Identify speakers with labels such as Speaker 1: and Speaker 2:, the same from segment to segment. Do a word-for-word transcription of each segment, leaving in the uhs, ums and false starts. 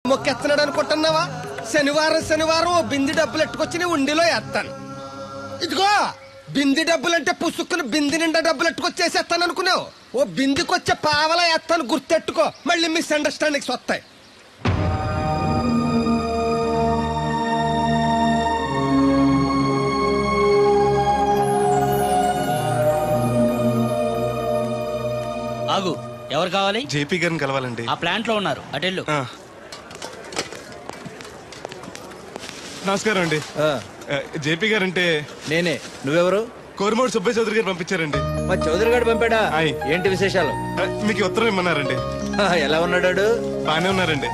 Speaker 1: మొక్కెత్తనాడు అనుకుంటున్నావా? శనివారం శనివారం ఓ బింది డబ్బులు ఎట్టుకొచ్చి నీ ఉండిలో వేస్తాను. ఇదిగో బింది డబ్బులంటే పుసుక్కుని బింది నిండా డబ్బులు ఎట్టుకొచ్చేసేస్తాను అనుకున్నావు. ఓ బిందికొచ్చే పావలా వేస్తాను, గుర్తెట్టుకో. మళ్ళీ మిస్అండర్స్టాండింగ్స్ వస్తాయి.
Speaker 2: ఆగు, ఎవరు కావాలి?
Speaker 3: జేపీ గారిని కలవాలండి.
Speaker 2: ఆ ప్లాంట్ లో ఉన్నారు, అటెళ్ళు.
Speaker 3: నమస్కారం అండి. జేపీ గారు అంటే
Speaker 4: నేనే. నువ్వెవరు?
Speaker 3: కోరమూడు సుబ్బయ్య చౌదరి గారు పంపించారండి.
Speaker 4: మా చౌదరి గారు పంపాడా?
Speaker 3: ఆయ్.
Speaker 4: ఏంటి విశేషాలు?
Speaker 3: ఆ, మీకు ఈ ఉత్తరం ఇమ్మన్నారండి.
Speaker 4: ఆ, ఎలా ఉన్నాడు?
Speaker 3: బానే ఉన్నారండి.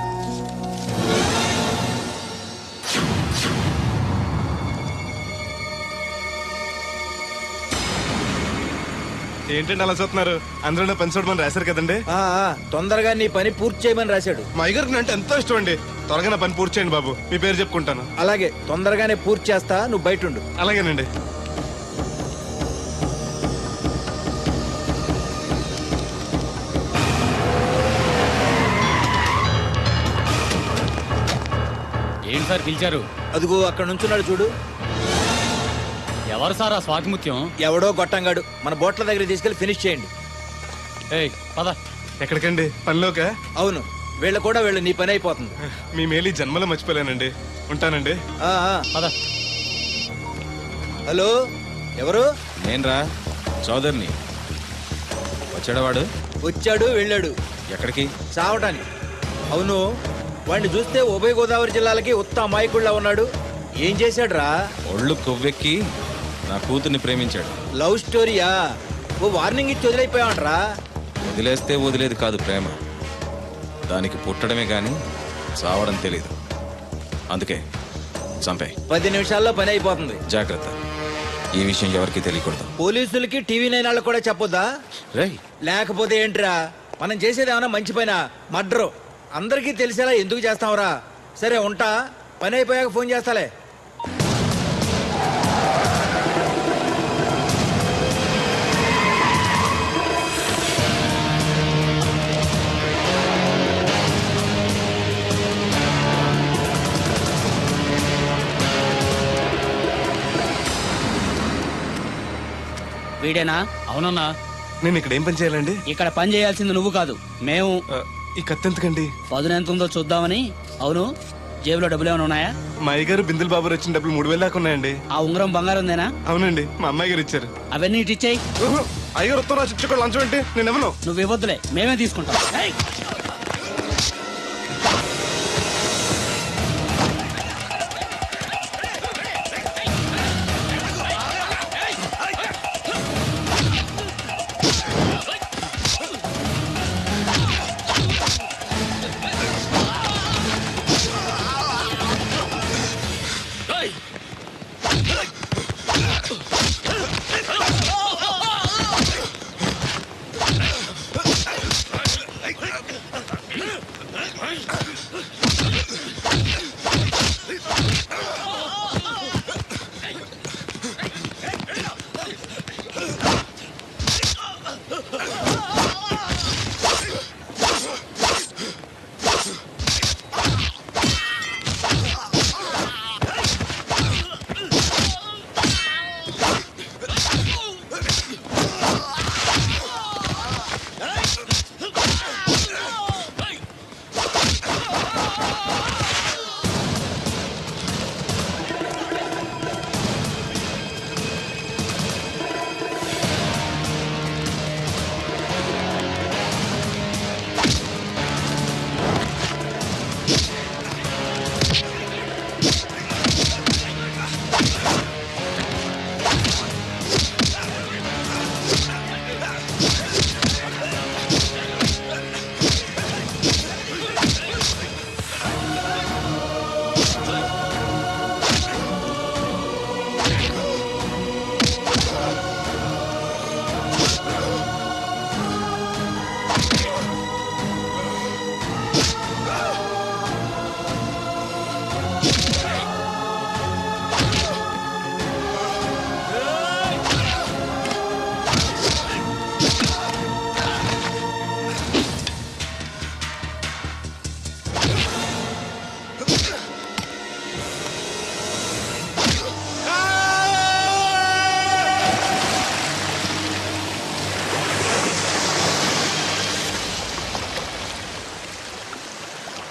Speaker 3: ఏంటండి అలా చూస్తున్నారు? అందరూ పని చూడమని రాశారు కదండి.
Speaker 4: ఆ, ఆ, తొందరగా నీ పని పూర్తి చేయమని రాశాడు.
Speaker 3: మా అయ్యగారికి అంటే ఎంతో ఇష్టం అండి. త్వరగా నా పని పూర్తి చేయండి బాబు. మీ పేరు చెప్పుకుంటాను.
Speaker 4: అలాగే, తొందరగానే పూర్తి చేస్తా, నువ్వు బయట ఉండు.
Speaker 3: అలాగేనండి.
Speaker 2: ఏంటి సార్ పిలిచారు?
Speaker 4: అదిగో అక్కడ నుంచున్నాడు చూడు.
Speaker 2: ఎవరు సార్ ఆ స్వాతిముత్యం?
Speaker 4: ఎవడో గొట్టంగాడు. మన బోట్ల దగ్గర తీసుకెళ్లి ఫినిష్ చేయండి.
Speaker 2: ఏయ్ పద.
Speaker 3: ఎక్కడికండి? పనిలోక?
Speaker 4: అవును, వీళ్ళ కూడా వీళ్ళు, నీ పని అయిపోతుంది.
Speaker 3: మీ మేలు జన్మలో మర్చిపోలేనండి. ఉంటానండి.
Speaker 4: ఆ, ఆ.
Speaker 2: పద.
Speaker 4: హలో, ఎవరు?
Speaker 5: నేనరా చౌదరిని. వచ్చాడవాడు?
Speaker 4: వచ్చాడు, వెళ్ళాడు.
Speaker 5: ఎక్కడికి?
Speaker 4: చావటానికి. అవును, వాడిని చూస్తే ఉభయ గోదావరి జిల్లాలకి ఉత్త అమాయకుళ్ళ ఉన్నాడు. ఏం చేశాడు రా?
Speaker 5: ఒళ్ళు కొవ్వెక్కి నా కూతుర్ని ప్రేమించాడు.
Speaker 4: లవ్ స్టోరీయా? ఓ వార్నింగ్ ఇచ్చి వదిలైపోయావంట్రా.
Speaker 5: వదిలేస్తే వదిలేది కాదు ప్రేమ. దానికి పుట్టడమే గాని చావడం తెలీదు. అందుకే చంపే.
Speaker 4: పది నిమిషాల్లో పని అయిపోతుంది.
Speaker 5: జాగ్రత్త, ఈ విషయం ఎవరికి తెలియకూడదు.
Speaker 4: పోలీసులకి టీవీ నైన్ వాళ్ళకి కూడా చెప్పొద్దా?
Speaker 5: రేయ్,
Speaker 4: లేకపోతే ఏంట్రా, మనం చేసేది ఏమన్నా మంచి పైన మర్డరు. అందరికీ తెలిసేలా ఎందుకు చేస్తావురా? సరే ఉంటా, పని అయిపోయాక ఫోన్ చేస్తాలే.
Speaker 2: వీడేనా? అవునన్నా.
Speaker 3: నేను ఇక్కడ ఏం పని చేయాలండి?
Speaker 2: ఇక్కడ పని చేయాల్సింది నువ్వు కాదు, మేము.
Speaker 3: ఆ, ఈ కత్తి ఎందుకండి?
Speaker 2: పదును ఎంత ఉందో చూద్దామని. అవును, జేబులో డబ్బులు ఏమైనా ఉన్నాయా?
Speaker 3: మా అయ్యగారు బిందులు బాబు వచ్చిన డబ్బులు మూడు వేలు దాకా ఉన్నాయండి.
Speaker 2: ఆ ఉంగరం బంగారం ఉందేనా?
Speaker 3: అవునండి, మా అమ్మాయి గారు ఇచ్చారు.
Speaker 2: అవన్నీ ఇటు ఇచ్చేయి.
Speaker 3: ఊహు, అయ్యగారు ఉత్తరం రాసి ఇచ్చుకోవాలి. లంచం ఏంటి? నేను ఇవ్వను.
Speaker 2: నువ్వు ఇవ్వద్దులే, మేమే తీసుకుంటాం. ఏయ్!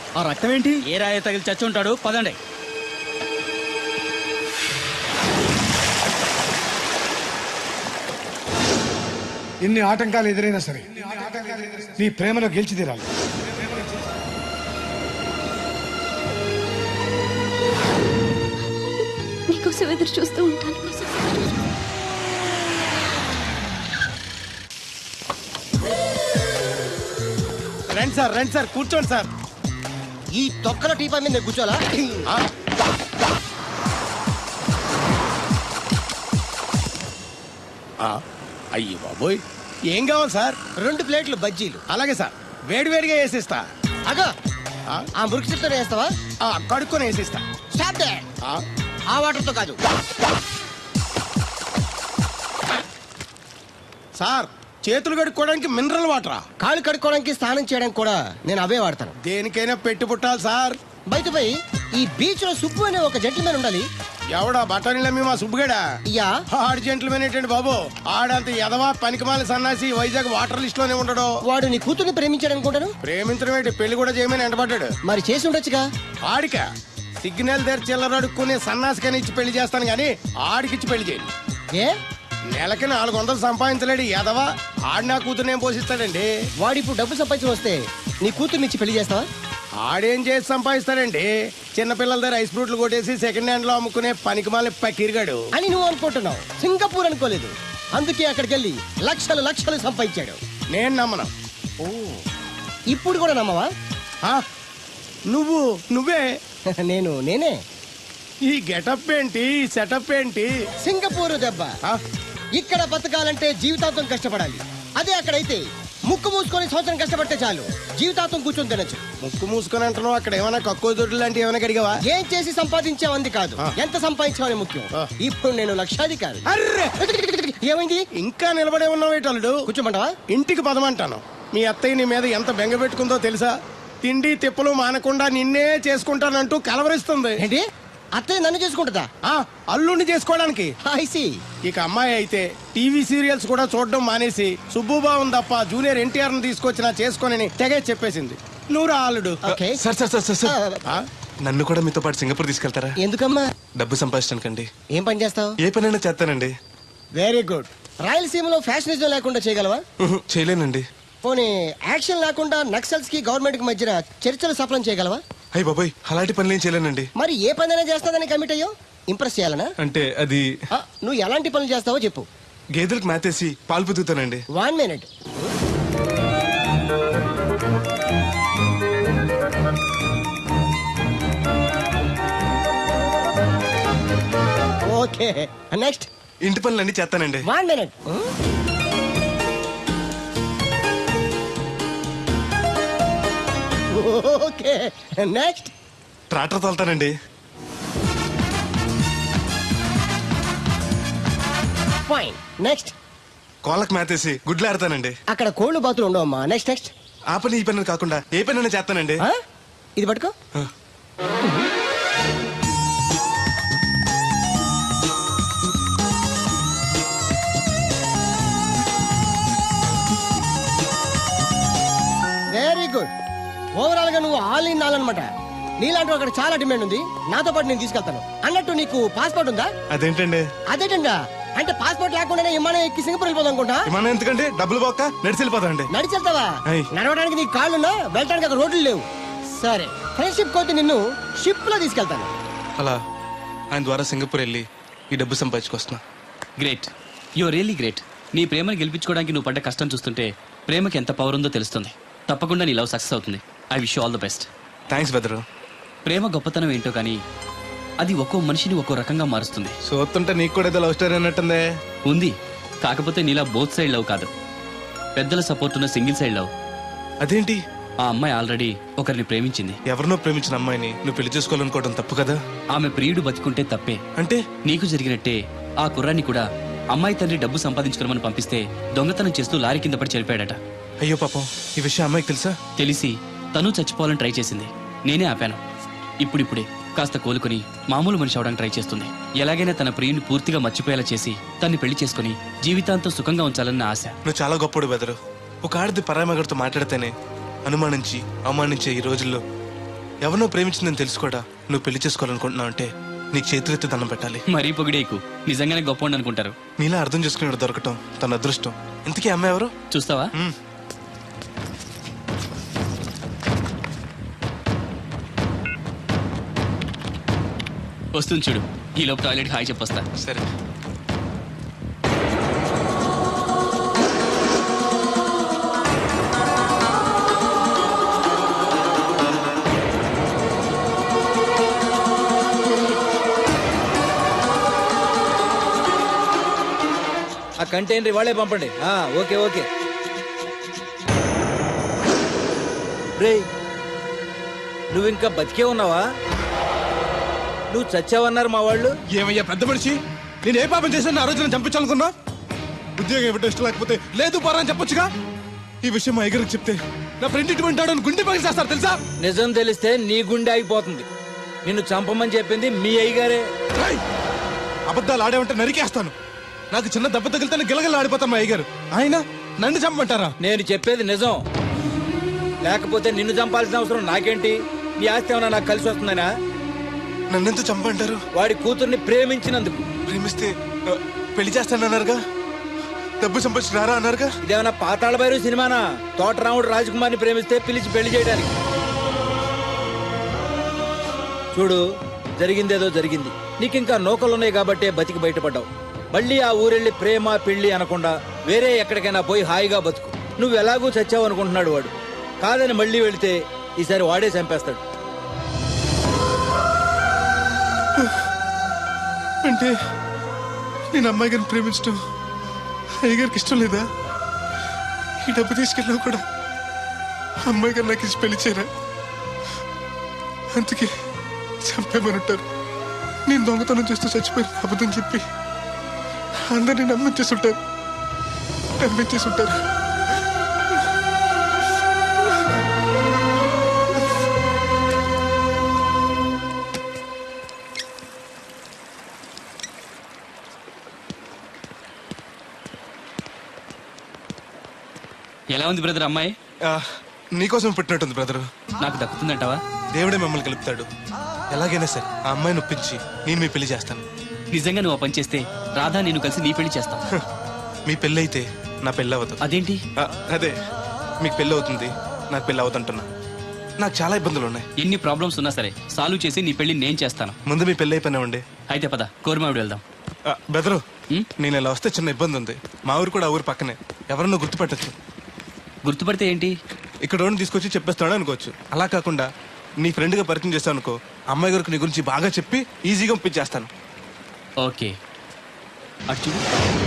Speaker 6: ఆ రక్తం ఏంటి?
Speaker 2: ఏ రాయ తగిలి చచ్చి ఉంటాడు, పదండి.
Speaker 7: ఎన్ని ఆటంకాలు ఎదురైనా సరే నీ ప్రేమలో గెలిచి తీరాలి.
Speaker 8: నీకోసం ఎదురు చూస్తూ ఉంటాను.
Speaker 1: రండి సార్ రండి సార్ కూర్చోండి సార్. ఈ తొక్కల టీపా మీద కూర్చోాలా? అయ్యి బాబోయ్, ఏం కావాలి సార్? రెండు ప్లేట్లు బజ్జీలు. అలాగే సార్, వేడి వేడిగా వేసిస్తా. అగా ఆ మురికి చెప్తాను వేస్తావా? కడుక్కొని వేసిస్తా. Stop they. ఆ వాటర్తో కాదు సార్, చేతులు కడుక్కోవడానికి మినరల్ వాటరా? కాళ్ళు కడుక్కోవడానికి స్నానం చేయడానికి కూడా నేను అవే వాడతాను. దేనికైనా పెట్టి పుట్టాలి సార్. బయట పోయి ఈ బీచ్ లో సుబ్బు అనే ఒక జెంటిల్మెన్ ఉండాలి. ఎవడా బఠానీల మీ మా సుబ్బుగడా? యా, ఆడు జెంటిల్మెన్ ఏంటండి బాబు? ఆడంత ఎదవా పనికిమాల సన్నాసి వైజాగ్ వాటర్ లిస్ట్ లోనే ఉండడు. వాడు నీ కూతుర్ని ప్రేమించాడు అనుకుంటాను. ప్రేమించడం ఏంటి, పెళ్లి కూడా చేయమని ఎంటబడ్డాడు. మరి చేసి ఉండొచ్చుగా. ఆడిక సిగ్నల్ దగ్గర చిల్లర అడుక్కునే సన్నాసికని ఇచ్చి పెళ్లి చేస్తాను గానీ ఆడికిచ్చి పెళ్లి చేయండి. ఏ నెలకి నాలుగు వందలు సంపాదించలేడు ఎదవా. ఆడి నా కూతురు ఏం పోషిస్తాడండి? వాడు ఇప్పుడు డబ్బు సంపాదించి వస్తే నీ కూతుర్ని ఇచ్చి పెళ్లి చేస్తావా? ఆడేం చేసి సంపాదిస్తాడండి? చిన్నపిల్లల దగ్గర ఐస్ ఫ్రూట్లు కొట్టేసి సెకండ్ హ్యాండ్ లో అమ్ముకునే పనికిమాల పకీర్గాడు అని నువ్వు అనుకుంటున్నావు. సింగపూర్ అనుకోలేదు, అందుకే అక్కడికి వెళ్ళి లక్షలు లక్షలు సంపాదించాడు. నేను నమ్మను. ఓ, ఇప్పుడు కూడా నమ్మవా? నువ్వు నువ్వే నేను నేనే. ఈ గెటప్ ఏంటి, సెటప్ ఏంటి? సింగపూర్ దెబ్బ. ఇక్కడ బతకాలంటే జీవితాంతం కష్టపడాలి. అదే అక్కడైతే ముక్కు మూసుకొని సంవత్సరం కష్టపడితే చాలు, జీవితాంతం కూర్చొని తినచ్చు. ముక్కు మూసుకొని అంటున్నావు, అక్కడ ఏమైనా కక్కువ దొడ్లు లాంటి ఏమైనా అడిగావా? ఏం చేసి సంపాదించావంది కాదు, ఎంత సంపాదించావని ముఖ్యం. ఇప్పుడు నేను లక్షాధికారి. ఏమైంది? ఇంకా నిలబడే ఉన్నావు ఏటల్లుడు? కూర్చోమంటావా? ఇంటికి పదమంటాను. మీ అత్తయ్య నీ మీద ఎంత బెంగ పెట్టుకుందో తెలుసా? తిండి తిప్పలు మానకుండా నిన్నే చేసుకుంటానంటూ కలవరిస్తుంది. ఏంటి? అత్తయ్య నన్ను చేసుకుంటుందా? అల్లుడిని చేసుకోవడానికి. ఐసి. ఇక అమ్మాయి అయితే టీవీ సీరియల్స్ కూడా చూడడం మానేసి సుబ్బుబాబుని తప్ప జూనియర్ ఎన్టీఆర్ ని తీసుకొచ్చినా చేసుకోనని తెగే చెప్పేసింది. నువ్వు రా అల్లుడు.
Speaker 3: Sir sir sir sir sir నన్ను కూడా మీతో పాటు సింగపూర్ తీసుకెళ్తారా?
Speaker 1: ఎందుకమ్మా?
Speaker 3: డబ్బు సంపాదించడానికండి.
Speaker 1: ఏం పని చేస్తావు?
Speaker 3: ఏ పనైనా చేస్తానండి.
Speaker 1: Very good. రాయలసీమలో ఫ్యాషనిజం లేకుండా చేయగలవా?
Speaker 3: చేయలేనండి.
Speaker 1: పోనీ యాక్షన్ లేకుండా నక్సల్స్ కి గవర్నమెంట్ కి మధ్యన చర్చలు సఫలం చేయగలవా?
Speaker 3: అయ్యి బాబాయ్, అలాంటి పనులు ఏం చేయలేనండి.
Speaker 1: మరి ఏ పనైనా చేస్తాదని కమిట్ అయ్యో? ఇంప్రెస్ చేయాలనా?
Speaker 3: అంటే అది
Speaker 1: ఆ, నువ్వు ఎలాంటి పనులు చేస్తావో చెప్పు.
Speaker 3: గేదెలకు మేతేసి పాలు పుతుతానండి.
Speaker 1: One minute. Okay, next.
Speaker 3: ఇంటి పనులన్నీ చేస్తానండి.
Speaker 1: One minute. Okay, next.
Speaker 3: Tractor తోలుతానండి.
Speaker 1: Fine, next.
Speaker 3: కోళ్ళకు మేతేసి గుడ్లు ఆడతానండి.
Speaker 1: అక్కడ కోళ్ళు బాతులు ఉండవమ్మా. Next next.
Speaker 3: ఆ పని ఈ పని కాకుండా ఏ పనైనా చేస్తానండి.
Speaker 1: ఆ? ఇది పట్టుకో.
Speaker 3: ఆ.
Speaker 1: Very good. ఓవరాల్ గా నువ్వు ఆల్ ఇన్ ఆల్ అనమాట. నీలాంటి అక్కడ చాలా డిమాండ్ ఉంది. నాతో పాటు నేను తీసుకెళ్తాను. అన్నట్టు నీకు పాస్పోర్ట్ ఉందా?
Speaker 3: అదేంటండి?
Speaker 1: అదేటంగా అంటే పాస్పోర్ట్ లేకుండానే విమానం ఎక్కి సింగపూర్ వెళ్ళిపోదాం అనుకుంటా.
Speaker 3: విమానం ఎందుకంటే డబ్బులు పోక నడిచి వెళ్ళిపోతాండి.
Speaker 1: నడిచి వెళ్తావా?
Speaker 3: అయ్.
Speaker 1: నడవడానికి నీకు కాళ్ళున్నా, వెళ్ళడానికి అక్కడ రోడ్లు లేవు. సరే, ఫ్రెండ్షిప్ కోతి నిన్ను షిప్ లో తీసుకెళ్తాను.
Speaker 3: అలా ఆయన ద్వారా సింగపూర్ వెళ్ళి ఈ డబ్బు సంపాదించుకొస్తున్నా.
Speaker 2: Great, you really great. నీ ప్రేమను గెలిపించుకోవడానికి నువ్వు పడ్డ కష్టం చూస్తుంటే ప్రేమకి ఎంత పవర్ ఉందో తెలుస్తుంది. తప్పకుండా నీ లవ్ సక్సెస్ అవుతుంది. I wish all the best.
Speaker 3: Thanks బెదరు.
Speaker 2: ప్రేమ గొప్పతనం ఏంటో కానీ అది ఒక్కో మనిషిని ఒక్కో రకంగా మారుస్తుంది.
Speaker 3: చూస్తుంటే నీకు కూడా ఏదో లవ్ స్టోరీ అన్నట్టుందే.
Speaker 2: ఉంది, కాకపోతే నీలా బోత్ సైడ్ లవ్ కాదు, పెద్దల సపోర్ట్ ఉన్న సింగిల్ సైడ్ లవ్.
Speaker 3: అదేంటి?
Speaker 2: ఆ అమ్మాయి ఆల్రెడీ ఒకరిని ప్రేమించింది.
Speaker 3: ఎవరినో ప్రేమించిన అమ్మాయిని నువ్వు పెళ్లి చేసుకోవాలనుకోవడం తప్పు కదా?
Speaker 2: ఆమె ప్రియుడు బతికుంటే తప్పే.
Speaker 3: అంటే
Speaker 2: నీకు జరిగినట్టే ఆ కుర్రాన్ని కూడా అమ్మాయి తండ్రి డబ్బు సంపాదించుకోమని పంపిస్తే దొంగతనం చేస్తూ లారీ కింద పడి చనిపోయాడట.
Speaker 3: అయ్యో పాపం, ఈ విషయం అమ్మాయికి తెలుసా?
Speaker 2: తెలిసి తను చచ్చిపోవాలని ట్రై చేసింది. నేనే ఆపాను. ఇప్పుడిప్పుడే కాస్త కోలుకొని మామూలు మనిషి అవడానికి ట్రై చేస్తుంది. ఎలాగైనా తన ప్రియుని పూర్తిగా మర్చిపోయేలా చేసి తన్ని పెళ్లి చేసుకుని జీవితాంతం సుఖంగా ఉంచాలన్న ఆశ.
Speaker 3: నువ్వు చాలా గొప్పడు బెదరు. ఒక ఆడది పరామగడితో మాట్లాడితేనే అనుమానించి అవమానించే ఈ రోజుల్లో ఎవరినో ప్రేమించిందని తెలుసుకోడా నువ్వు పెళ్లి చేసుకోవాలనుకుంటున్నావు అంటే నీకు చేతులెత్తి దండం పెట్టాలి.
Speaker 2: మరీ పొగిడేకు, నిజంగానే గొప్ప అనుకుంటారు.
Speaker 3: నీలా అర్థం చేసుకునేవాడు దొరకటం తన అదృష్టం. ఇంతకీ అమ్మాయి ఎవరు?
Speaker 2: చూస్తావా?
Speaker 3: మ్మ్.
Speaker 2: వస్తుంది చూడు. ఈ లోపు టాయిలెట్ హాయ్ చెప్పొస్తా.
Speaker 3: సరే.
Speaker 4: ఆ కంటైనర్ వాళ్ళే పంపండి. ఆ, ఓకే ఓకే. రే, నువ్వు ఇంకా బతికే ఉన్నావా? నువ్వు చచ్చావన్నారు మా వాళ్ళు.
Speaker 3: ఏమయ్యా పెద్ద మనిషి, నేను ఏ పాపం చేశాను ఆ రోజు నేను చంపించాలనుకున్నా? ఉద్యోగం ఇవ్వటం ఇష్టం లేకపోతే లేదు పోరా అని చెప్పొచ్చుగా. ఈ విషయం మా అయ్యగారికి చెప్తే నా ఫ్రెండ్ ఇటువంటి వాడు అని గుండె పగిలి చేస్తారు తెలుసా?
Speaker 4: నిజం తెలిస్తే నీ గుండె ఆగిపోతుంది. నిన్ను చంపమని చెప్పింది మీ అయ్యగారే.
Speaker 3: రేయ్! అబద్ధాలు ఆడేమంటే నరికేస్తాను. నాకు చిన్న దెబ్బ తగిలితే గిలగల ఆడిపోతాను మా అయ్యగారు. ఆయన నన్ను చంపమంటారా?
Speaker 4: నేను చెప్పేది నిజం. లేకపోతే నిన్ను చంపాల్సిన అవసరం నాకేంటి? నీ ఆస్తి ఏమన్నా నాకు కలిసి వస్తుందనా?
Speaker 3: నన్నెంత చంపంటారు?
Speaker 4: వాడి కూతుర్ని ప్రేమించినందుకు.
Speaker 3: ప్రేమిస్తే ఆ, పెళ్లి చేస్తానన్నారుగా, డబ్బు సంపాదించి రారా అన్నారుగా.
Speaker 4: ఇదేమన్నా పాతాళ భైరవ సినిమానా? తోటరాముడు రాజకుమార్ని ప్రేమిస్తే పిలిచి పెళ్లి చేయడానికి. చూడు, జరిగిందేదో జరిగింది. నీకింకా నౌకలున్నాయి కాబట్టే బతికి బయటపడ్డావు. మళ్ళీ ఆ ఊరెళ్ళి ప్రేమ పెళ్లి అనకుండా వేరే ఎక్కడికైనా పోయి హాయిగా బతుకు. నువ్వు ఎలాగూ చచ్చావు అనుకుంటున్నాడు వాడు. కాదని మళ్ళీ వెళితే ఈసారి వాడే చంపేస్తాడు.
Speaker 3: అంటే నేను అమ్మాయి గారిని ప్రేమించడం అయ్యగారికి ఇష్టం లేదా? ఈ డబ్బు తీసుకెళ్ళినా కూడా అమ్మాయి గారు నాకు ఇచ్చి పెళ్లి చేయరా? అందుకే చంపేమనుంటారు. నేను దొంగతనం చేస్తూ చచ్చిపోయిన అబద్ధం చెప్పి అందరినీ నమ్మించేస్తుంటారు నమ్మించేస్తుంటారు
Speaker 2: ఎలా ఉంది బ్రదర్ అమ్మాయి?
Speaker 3: నీకోసం పెట్టినట్టుంది బ్రదరు.
Speaker 2: నాకు దక్కుతుందంటావా?
Speaker 3: దేవుడే మిమ్మల్ని కలుపుతాడు. ఎలాగైనా సరే ఆ అమ్మాయిని ఒప్పించి నేను మీ పెళ్లి చేస్తాను.
Speaker 2: నిజంగా నువ్వు ఆ పని చేస్తే రాధా నేను కలిసి నీ పెళ్లి చేస్తాం.
Speaker 3: హ, మీ పెళ్ళి అయితే నా పెళ్ళి అవ్వదు.
Speaker 2: అదేంటి?
Speaker 3: ఆ, అదే మీకు పెళ్ళి అవుతుంది, నాకు పెళ్ళి అవుతుంటున్నా. నాకు చాలా ఇబ్బందులు ఉన్నాయి.
Speaker 2: ఎన్ని ప్రాబ్లమ్స్ ఉన్నా సరే సాల్వ్ చేసి నీ పెళ్లి నేను చేస్తాను.
Speaker 3: ముందు మీ పెళ్ళి అయిపోయినా ఉండే.
Speaker 2: అయితే పద కోరమావిడి వెళ్దాం.
Speaker 3: ఆ, బెదరు
Speaker 2: ఉం?
Speaker 3: నేను ఇలా వస్తే చిన్న ఇబ్బంది ఉంది. మా ఊరు కూడా ఆ ఊరు పక్కనే, ఎవరన్నా గుర్తుపట్టచ్చు.
Speaker 2: గుర్తుపడితే ఏంటి?
Speaker 3: ఇక్కడ ఓన్ తీసుకొచ్చి చెప్పేస్తాడు అనుకోవచ్చు. అలా కాకుండా నీ ఫ్రెండ్గా పరిచయం చేస్తాను అనుకో, అమ్మాయి గారికి నీ గురించి బాగా చెప్పి ఈజీగా పంపించేస్తాను.
Speaker 2: ఓకే, అటు చూడు.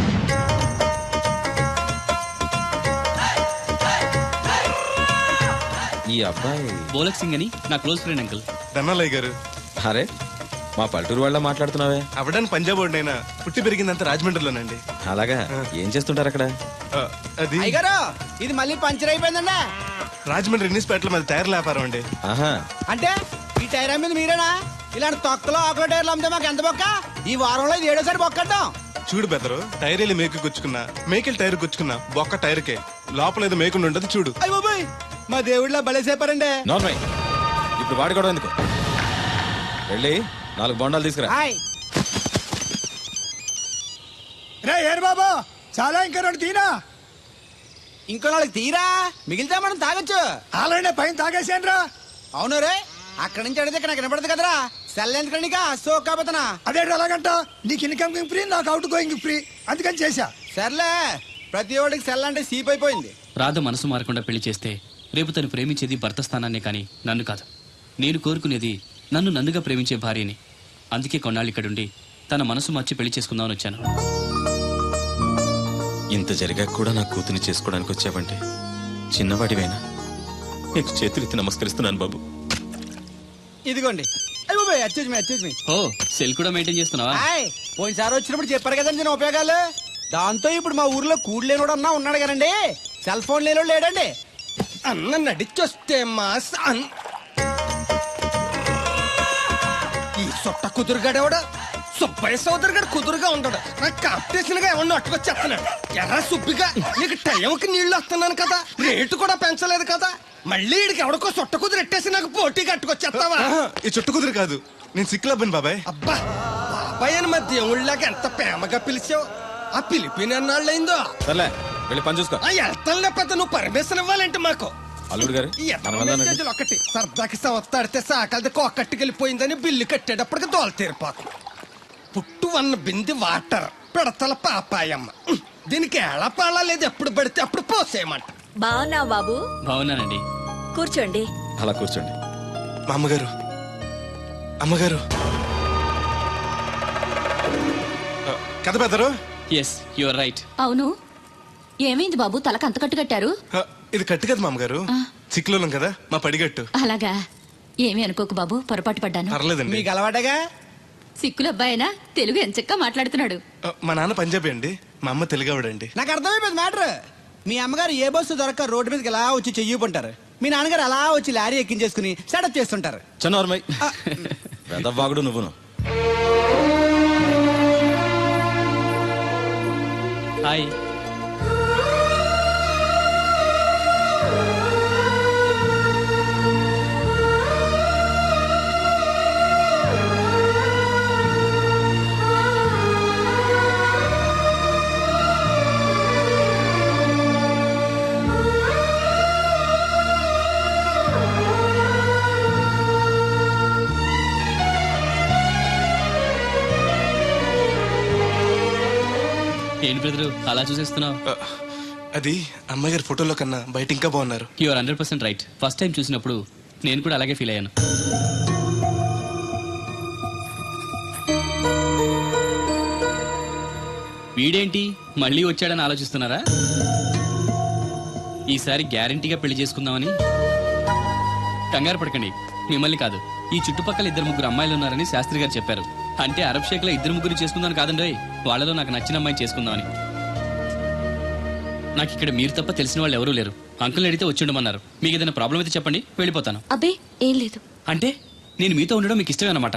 Speaker 5: ఈ అబ్బాయి
Speaker 2: బోలక్ సింగ్ అని నా క్లోజ్ ఫ్రెండ్ అంకుల్.
Speaker 3: ధనాలయ్య గారు.
Speaker 5: అరే, మా పల్లెటూరు వాళ్ళ మాట్లాడుతున్నావే.
Speaker 3: అవడానికి పంజాబ్ వాడినైనా పుట్టి పెరిగిందంతా రాజమండ్రిలోనండి.
Speaker 5: అలాగా? ఏం చేస్తుంటారు అక్కడ?
Speaker 3: ఆ, అది
Speaker 4: అయ్యగారు, ఇది మళ్ళీ పంచర్ అయిపోయిందండి.
Speaker 3: రాజమండ్రి ఇన్నిస్పేటలో మాది టైర్ల వ్యాపారం అండి.
Speaker 5: ఆహా,
Speaker 4: అంటే ఈ టైర్ మీద మీరేనా? ఇలాంటి తొక్కలో ఆకుల టైర్లు అమ్మితే మాకు ఎంత బొక్క? ఈ వారంలో ఇది ఏడోసారి బొక్కడ్డాం.
Speaker 3: చూడు బెదరు, టైర్ వెళ్ళి మేకు గుచ్చుకున్నా, మేకెళ్ళి టైర్ గుచ్చుకున్నా, బొక్క టైర్కే, లోపల ఏదో మేకుండా ఉండదు చూడు.
Speaker 4: అయ్య బాబాయ్, మా దేవుడిలా బలేసేపారండి.
Speaker 5: నార్మల్. ఇప్పుడు వాడుకోవడం ఎందుకు? వెళ్ళి నాలుగు బొండాలు తీసుకురా.
Speaker 4: హాయ్.
Speaker 7: రే ఏరు బాబా, చాలా ఇంకా రెండు తీనా.
Speaker 4: ఇంకో నాలుగు తీరా, మిగిలితే మనం తాగొచ్చు.
Speaker 7: ఆల్రెడీ పైన తాగేసాను రా.
Speaker 4: అవును రే, అక్కడి నుంచి అడిగితే ఇక్కడ నాకు వినపడదు కదరా. సెల్ ఎందుకండి సో కాబోతున్నా.
Speaker 7: అదే అలాగంట, నీకు ఇన్కమ్ ఫ్రీ, నాకు అవుట్ గోయింగ్ ఫ్రీ, అందుకని చేశా.
Speaker 4: సర్లే, ప్రతి ఒడికి సెల్ అంటే సీప్ అయిపోయింది.
Speaker 2: రాధ మనసు మారకుండా పెళ్లి చేస్తే రేపు తను ప్రేమించేది భర్త స్థానాన్నే కానీ నన్ను కాదు. నేను కోరుకునేది నన్ను నన్నుగా ప్రేమించే భార్యని. అందుకే కొన్నాళ్ళు ఇక్కడుండి తన మనసు మార్చి పెళ్లి చేసుకుందామని వచ్చాను.
Speaker 5: ఇంత జరిగాక కూడా నా కూతుని చేసుకోవడానికి వచ్చావంటే చిన్నవాడివేనా? నీకు చేతులెత్తి నమస్కరిస్తున్నాను బాబు.
Speaker 4: ఇదిగోండి. అయ్య బాబాయ్, అచ్చేజ్ మీ అచ్చేజ్ మీ.
Speaker 2: ఓ, సెల్ కూడా మెయింటైన్ చేస్తున్నావా?
Speaker 4: హాయ్, పోయినసారి వచ్చినప్పుడు చెప్పారు కదండి నేను ఉపయోగాలు. దాంతో ఇప్పుడు మా ఊర్లో కూడు లేనోడు అన్నా ఉన్నాడు కదండి. సెల్ ఫోన్ లేనోడు లేడండి.
Speaker 1: అన్న నడిచొస్తే మాస్ అన్ ఈ సొట్ట కుదురుగాడేవాడు సుబ్బయ్య సోదరు గారు కుదురుగా ఉంటాడు. నాకు కాంపిటీషన్ గా ఏమన్నా అట్టుకొచ్చేస్తున్నాడు. ఎర్ర సుబ్బిగా నీకు టైంకి నీళ్లు వస్తున్నాను కదా, రేటు కూడా పెంచలేదు కదా, మళ్ళీ ఇడికి ఎవడికో సొట్ట కుదిరెట్టేసి నాకు పోటీ కట్టుకొచ్చేస్తావా
Speaker 3: ఆహా, ఈ చుట్టు కుదురు కాదు నేను సిక్కులబ్బను బాబాయ్.
Speaker 1: అబ్బా బాబాయ్ అని మా దేవుళ్ళకి ఎంత ప్రేమగా పిలిచావు. ఆ పిలిపిన ఎన్నాళ్ళైందో.
Speaker 5: సర్లే వెళ్ళి పని చూసుకో.
Speaker 1: ఆ వెళ్తానులే పెద్ద, నువ్వు పర్మిషన్ ఇవ్వాలంటే మాకు.
Speaker 5: అల్లుడు గారు
Speaker 1: ఈ ఎత్తన మెసేజ్లు ఒకటి సరదాకి సంవత్సరాడితే సాకలది కోకట్టుకెళ్ళిపోయిందని బిల్లు కట్టేటప్పటికి దోల తీరిపోతుంది. పుట్టు వన్న బింది వాటర్ పిడతల పాపాయమ్మ. ఉహ్, దీనికి ఏళ పాలా లేదు, ఎప్పుడు పడితే అప్పుడు పోసేయమంట.
Speaker 6: బాగున్నావు బాబు?
Speaker 2: బాగున్నానండి.
Speaker 6: కూర్చోండి.
Speaker 5: అలా కూర్చోండి.
Speaker 3: మా అమ్మగారు అమ్మగారు ఆ, కథ పెద్దరు.
Speaker 2: Yes your right.
Speaker 8: అవును, ఏమైంది బాబు తలకు అంత కట్టు కట్టారు?
Speaker 3: ఆ, ఇది కట్టు కదా మా అమ్మగారు, సిక్కులోలం కదా మా పడిగట్టు.
Speaker 8: అలాగా, ఏమీ అనుకోకు బాబు, పొరపాటు పడ్డాను.
Speaker 3: పర్లేదండి.
Speaker 1: మీకు అలవాటగా.
Speaker 8: సిక్కుల అబ్బాయినా తెలుగు ఎంచక్కా మాట్లాడుతున్నాడు.
Speaker 3: ఆ, మా నాన్న పంజాబీ అండి, మా అమ్మ తెలుగావిడండి.
Speaker 9: నాకు అర్థమైపోయింది మ్యాటర్. మీ అమ్మగారు ఏ బస్సు దొరక్క రోడ్డు మీదకి ఎలా వచ్చి చెయ్యిపుంటారు, మీ నాన్నగారు అలా వచ్చి లారీ ఎక్కించేసుకుని సెటప్ చేస్తుంటారు.
Speaker 5: చన్నోర్మై పెద్దవాగుడు నువ్వును.
Speaker 2: హాయ్. ఏంటి బ్రదరు అలా చూసేస్తున్నావు?
Speaker 3: ఆ, అది అమ్మగారి ఫోటోలో కన్నా బయట ఇంకా బాగున్నారు.
Speaker 2: Your hundred percent right. First time చూసినప్పుడు నేను కూడా అలాగే ఫీల్ అయ్యాను. వీడేంటి మళ్ళీ వచ్చాడని ఆలోచిస్తున్నారా? ఈసారి గ్యారంటీగా పెళ్లి చేసుకుందామని. కంగారు పడకండి, మిమ్మల్ని కాదు, ఈ చుట్టుపక్కల ఇద్దరు ముగ్గురు అమ్మాయిలు ఉన్నారని శాస్త్రి గారు చెప్పారు. అంటే అరబ్ షేక్ లో ఇద్దరు ముగ్గురు చేసుకుందామని కాదండి, వాళ్ళలో నాకు నచ్చిన అమ్మాయిని చేసుకుందామని. నాకు ఇక్కడ మీరు తప్ప తెలిసిన వాళ్ళు ఎవరూ లేరు. అంకుల్ని అడిగితే వచ్చి ఉండమన్నారు. మీకు ఏదైనా ప్రాబ్లం అయితే చెప్పండి, వెళ్ళిపోతాను.
Speaker 8: అబ్బే ఏం లేదు.
Speaker 2: అంటే నేను మీతో ఉండడం మీకు ఇష్టమే అన్నమాట.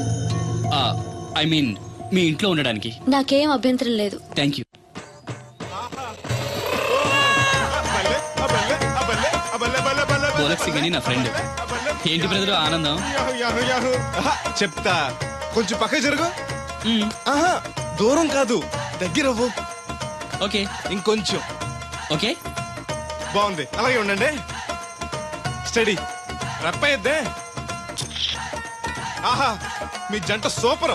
Speaker 2: ఐ మీన్ మీ ఇంట్లో ఉండడానికి.
Speaker 8: నాకేం అభ్యంతరం లేదు.
Speaker 2: Thank you. పోలక్ సింగ్ అని నా ఫ్రెండ్. ఏంటి బ్రదర్ ఆనందం?
Speaker 3: Yahoo, yahoo, yahoo. ఆహా, చెప్తా, కొంచెం పక్క జరుగు.
Speaker 2: మ్మ్.
Speaker 3: ఆహా, దూరం కాదు, దగ్గర అవ్వు.
Speaker 2: ఓకే
Speaker 3: ఇంకొంచెం.
Speaker 2: ఓకే.
Speaker 3: బాగుంది, అలాగే ఉండండి. స్టడీ రప్పయ్యద్దే. ఆహా, మీ జంట సూపర్.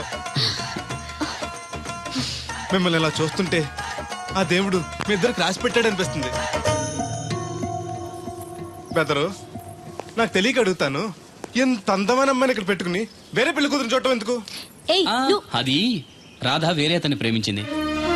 Speaker 3: మిమ్మల్ని ఇలా చూస్తుంటే ఆ దేవుడు మీ ఇద్దరికి రాసి పెట్టాడు అనిపిస్తుంది. బెదరు, నాకు తెలియక అడుగుతాను, ఎంత అందమైన అమ్మాయిని ఇక్కడ పెట్టుకుని వేరే పెళ్లి కూతురు చూడటం ఎందుకు?
Speaker 8: ఏయ్
Speaker 2: ఆ,
Speaker 8: నువ్వు
Speaker 2: అది రాధ వేరే అతన్ని ప్రేమించింది.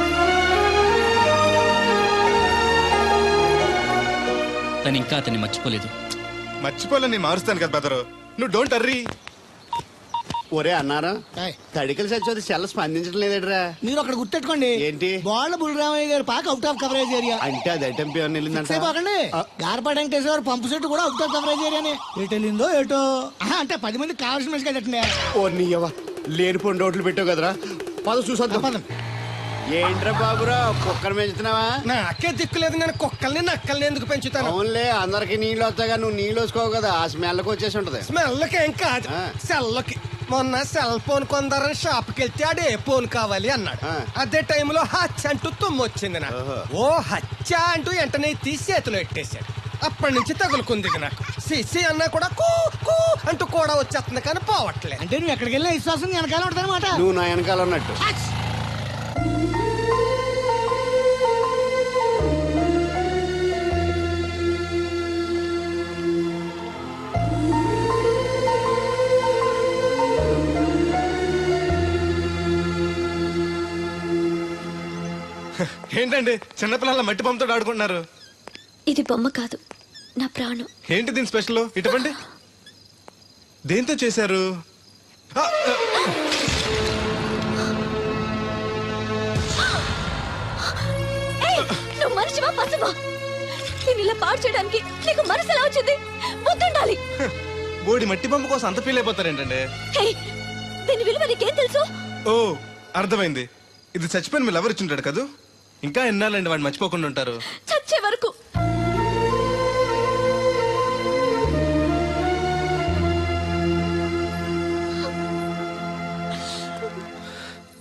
Speaker 2: తను ఇంకా అతన్ని మర్చిపోలేదు.
Speaker 3: మర్చిపోలే, నేను మారుస్తాను కదా బెదరు, నువ్వు డోంట్ అర్రీ.
Speaker 10: ఒరే అన్నారా, తడికలు సచ్చి సెల్ స్పందించడం లేదట్రా.
Speaker 9: మీరు అక్కడ గుర్తెట్టుకోండి,
Speaker 10: ఏంటి?
Speaker 9: బాల బుల్రామయ్య గారు పాక అవుట్ ఆఫ్ కవరేజ్ ఏరియా.
Speaker 10: అంటే అది ఐటమ్ పేరు వెళ్ళిందంట.
Speaker 9: సేపకండి, గార్పాటి వెంకటేశ్వర పంపు సెట్ కూడా అవుట్ ఆఫ్ కవరేజ్ ఏరియానే. ఎటు వెళ్ళిందో ఏటో. ఆహా, అంటే పది మంది కావాల్సిన మనిషి కదండి.
Speaker 10: ఓ నీయవ్వ, లేనిపోయిన రోడ్లు పెట్టావు కదరా. పద చూసొద్దాం.
Speaker 9: పదం.
Speaker 10: ఏంట్రా బాబురా, కుక్కర్ పెంచుతున్నావా?
Speaker 1: నాకే దిక్కులేదు, నేను కుక్కల్ని నక్కల్ని ఎందుకు పెంచుతాను?
Speaker 10: అవునులే, అందరికి నీళ్ళు వస్తాగా, నువ్వు నీళ్ళు వేసుకోవు కదా, ఆ స్మెల్కి వచ్చేసి ఉంటది.
Speaker 1: స్మెల్కి ఏం కాదు,
Speaker 10: ఆ.
Speaker 1: సెల్కి. మొన్న సెల్ ఫోన్ కొందరని షాప్కి వెళ్తే ఆడు ఏ ఫోన్ కావాలి అన్నాడు.
Speaker 10: ఆ.
Speaker 1: అదే టైంలో హచ్చ అంటూ తుమ్ము వచ్చింది నాకు.
Speaker 10: ఓహో.
Speaker 1: ఓ హచ్చ అంటూ వెంటనే తీసి చేతిలో ఎట్టేశాడు. అప్పటి నుంచి తగులుకుంది ఇది నాకు. సిసి అన్నా కూడా కూ కూ అంటూ కూడా వచ్చేస్తుంది కానీ పోవట్లేదు.
Speaker 9: అంటే నువ్వు ఎక్కడికి వెళ్ళినా విశ్వాసం వెనకాల ఉంటుంది అనమాట.
Speaker 10: నువ్వు నా వెనకాల ఉన్నట్టు.
Speaker 3: ఏంటండి చిన్నపిల్లల మట్టి బొమ్మతో ఆడుకుంటున్నారు?
Speaker 8: ఇది బొమ్మ కాదు, నా ప్రాణం.
Speaker 3: ఏంటి దీని స్పెషల్? ఇటువంటి దేంతో చేశారు? ఆ, ఆ.
Speaker 8: ఏయ్, నువ్వు మనిషివా పశువా? నేను ఇలా పాడు చేయడానికి నీకు మనసు ఎలా వచ్చింది? బుద్ధుండాలి.
Speaker 3: బోడి మట్టి బొమ్మ కోసం అంత ఫీల్ అయిపోతారేంటండి?
Speaker 8: ఏయ్, దీని విలువ నీకేం తెలుసు?
Speaker 3: ఓ, అర్థమైంది. ఇది చచ్చిపోయిన మీరు ఎవరు ఇచ్చుంటాడు కదా. ఇంకా ఎన్నాలండి వాడిని మర్చిపోకుండా ఉంటారు?
Speaker 8: చచ్చే వరకు.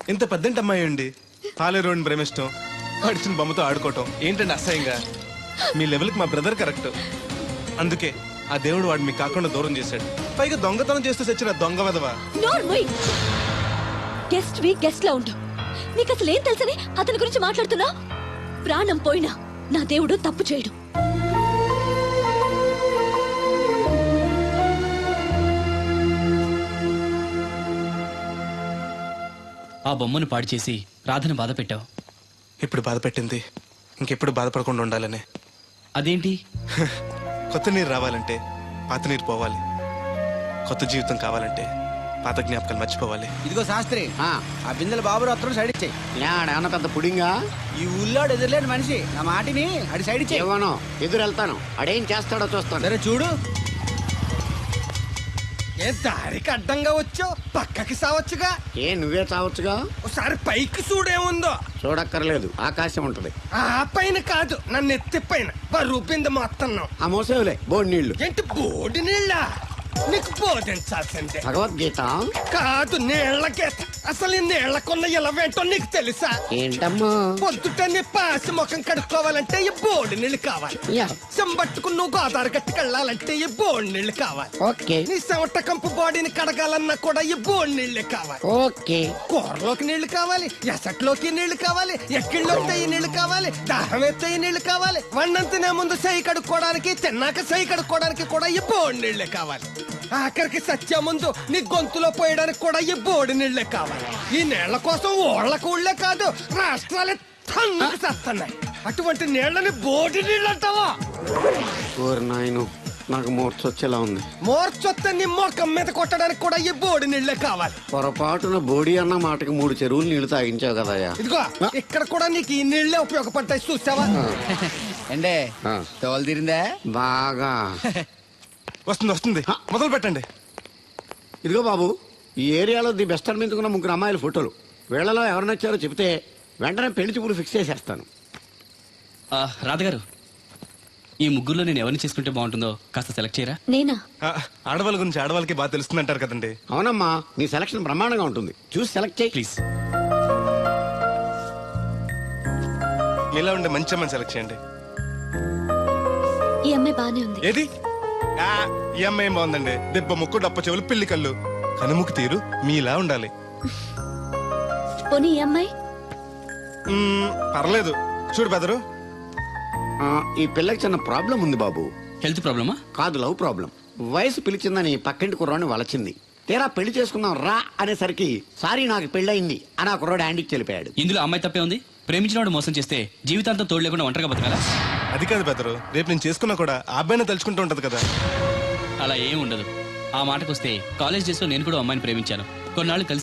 Speaker 3: ఇంత పెద్దంటి అమ్మాయి అండి పాలేరోని ప్రేమిష్టం అడిచిన బొమ్మతో ఆడుకోవటం ఏంటండి అసహ్యంగా. మీ లెవెల్కి మా బ్రదర్ కరెక్ట్. అందుకే ఆ దేవుడు వాడు మీకు కాకుండా దూరం చేశాడు. పైగా దొంగతనం చేస్తూ చచ్చిన దొంగ వెదవా.
Speaker 8: గెస్ట్ వి గెస్ట్ లా ఉండు. నీకు అసలు ఏం తెలుసని అతని గురించి మాట్లాడుతున్నా? ప్రాణం పోయినా నా దేవుడు తప్పు చేయడు.
Speaker 2: ఆ బొమ్మను పాడు చేసి రాధను బాధ పెట్టావు.
Speaker 3: ఇప్పుడు బాధ పెట్టింది ఇంకెప్పుడు బాధపడకుండా ఉండాలని.
Speaker 2: అదేంటి?
Speaker 3: కొత్త నీరు రావాలంటే పాత నీరు పోవాలి. కొత్త జీవితం కావాలంటే పాత జ్ఞాపకాలు మర్చిపోవాలి.
Speaker 9: ఇదిగో శాస్త్రి,
Speaker 10: ఆ,
Speaker 9: ఆ బిందెల బాబు అత్తరు సైడ్ ఇచ్చేయి.
Speaker 10: ఏమన్నా పెద్ద పుడింగా?
Speaker 9: ఈ ఊళ్ళోడు ఎదురులేని మనిషి, నా మాటిని అడి సైడ్ ఇచ్చేయి.
Speaker 10: ఏమనో ఎదురు వెళ్తాను, అడేం చేస్తాడో చూస్తాను.
Speaker 9: సరే చూడు.
Speaker 1: ఏ దారికి అడ్డంగా వచ్చావు? పక్కకి సావచ్చుగా.
Speaker 10: ఏ నువ్వే చావచ్చుగా.
Speaker 1: ఒకసారి పైకి చూడేముందో.
Speaker 10: చూడక్కర్లేదు, ఆకాశం ఉంటది.
Speaker 1: ఆ పైన కాదు, నన్ను ఎత్తి పైన రూపింది మొత్తం.
Speaker 10: ఆ మోసేవులే బోడి నీళ్లు.
Speaker 1: ఏంటి బోడి నీళ్ళ? నీకు బోధించాల్సిందే.
Speaker 10: భగవద్గీత
Speaker 1: కాదు, నీళ్ళ గీత. అసలు ఈ నీళ్లకున్న ఇలవేంటో నీకు తెలుసా?
Speaker 10: ఏంటమ్మా?
Speaker 1: పొద్దుట నీ పాసి ముఖం కడుక్కోవాలంటే ఈ బోడి నీళ్ళు కావాలి.
Speaker 10: యా.
Speaker 1: చెంబట్టుకుని నువ్వు గోదావరి గట్టుకు వెళ్ళాలంటే ఈ బోడి నీళ్ళు కావాలి.
Speaker 10: ఓకే
Speaker 1: నీ చెమట కంపు బాడీని కడగాలన్నా కూడా ఈ బోడి నీళ్ళే కావాలి.
Speaker 10: ఓకే.
Speaker 1: కూరలోకి నీళ్లు కావాలి, ఎసట్లోకి నీళ్లు కావాలి, ఎక్కిళ్ళొస్తే ఈ నీళ్లు కావాలి, దాహం ఎత్తే ఈ నీళ్లు కావాలి. వండం తినే ముందు సై కడుక్కోవడానికి, తిన్నాక సై కడుక్కోవడానికి కూడా ఈ బోడి నీళ్లే కావాలి. ఆఖరికి సత్య ముందు నీ గొంతులో పోయడానికి కూడా ఈ బోడి నీళ్లే కావాలి. ఈ నీళ్ల కోసం ఓళ్లకు ఊళ్ళే కాదు, రాష్ట్రాలే తన్నుకు చేస్తున్నాయి. అటువంటి నీళ్లని బోడి నీళ్ళు అంటావా?
Speaker 10: ఓరి నాయను, నాకు మూర్చొచ్చేలా ఉంది.
Speaker 1: మోర్చొత్తే నీ మొఖం మీద కొట్టడానికి కూడా ఈ బోడి నీళ్లే కావాలి.
Speaker 10: పొరపాటున బోడి అన్న మాటకి మూడు చెరువులు నీళ్లు తాగించావు కదయ్యా.
Speaker 1: ఇదిగో ఇక్కడ కూడా నీకు ఈ నీళ్లే ఉపయోగపడతాయి, చూసావా?
Speaker 9: ఏండే
Speaker 10: ఆ.
Speaker 9: తోలు తీరిందా?
Speaker 10: బాగా
Speaker 3: వస్తుంది వస్తుంది, మొదలు పెట్టండి.
Speaker 10: ఇదిగో బాబు, ఈ ఏరియాలో ది బెస్ట్ అనిపించుకున్న ముగ్గురు అమ్మాయిల ఫోటోలు. వీళ్ళలో ఎవరు నచ్చారో చెప్తే వెంటనే పెళ్లి చూపులు ఫిక్స్ చేసేస్తాను.
Speaker 2: ఆ, రాధగారు, ఈ ముగ్గురులో నేను ఎవరిని చేసుకుంటే బాగుంటుందో కాస్త సెలెక్ట్ చేయరా?
Speaker 8: నేనా?
Speaker 3: ఆ, ఆడవాళ్ళ గురించి ఆడవాళ్ళకి బాగా తెలుస్తుంది అంటారు కదండి.
Speaker 10: అవునమ్మా, నీ సెలక్షన్ బ్రహ్మాండంగా ఉంటుంది. చూసి సెలెక్ట్ చేయి
Speaker 2: ప్లీజ్.
Speaker 3: మీలా ఉండే మంచి అమ్మని సెలెక్ట్ చేయండి.
Speaker 8: ఈ అమ్మాయి బానే ఉంది.
Speaker 3: ఏది? ఆ, ఈ అమ్మాయి ఏం బాగుందండి. దెబ్బ ముక్కు, డప్ప చెవులు, పిల్లి కళ్ళు, కనుముక్కు తీరు మీలా ఉండాలి.
Speaker 8: పోనీ ఈ అమ్మాయి?
Speaker 3: మ్మ్, పర్లేదు. చూడు బెదరు,
Speaker 10: ఆ, ఈ పిల్లకి చిన్న ప్రాబ్లం ఉంది బాబు.
Speaker 2: హెల్త్ ప్రాబ్లమా?
Speaker 10: కాదు, లవ్ ప్రాబ్లం. వయసు పిలిచిందని పక్కింటి కుర్రాడిని వలచింది. తీరా పెళ్లి చేసుకుందాం రా అనేసరికి సారీ నాకు పెళ్ళయింది అని ఆ కుర్రాడు హ్యాండ్కి చెలిపాడు.
Speaker 2: ఇందులో అమ్మాయి తప్పే ఉంది. ప్రేమించిన వాడు మోసం చేస్తే జీవితాంతం తోడు లేకుండా ఒంటరిగా బతకాలా?
Speaker 3: అది కాదు బెదరు, రేపు నేను చేసుకున్నా కూడా ఆ అబ్బాయిని తలుచుకుంటూ ఉంటది కదా.
Speaker 2: అలా ఏం ఉండదు. ఆ మాటకొస్తే కాలేజ్ డేస్ లో నేను కూడా అమ్మాయిని ప్రేమించాను. కొన్నాళ్ళు కలిసి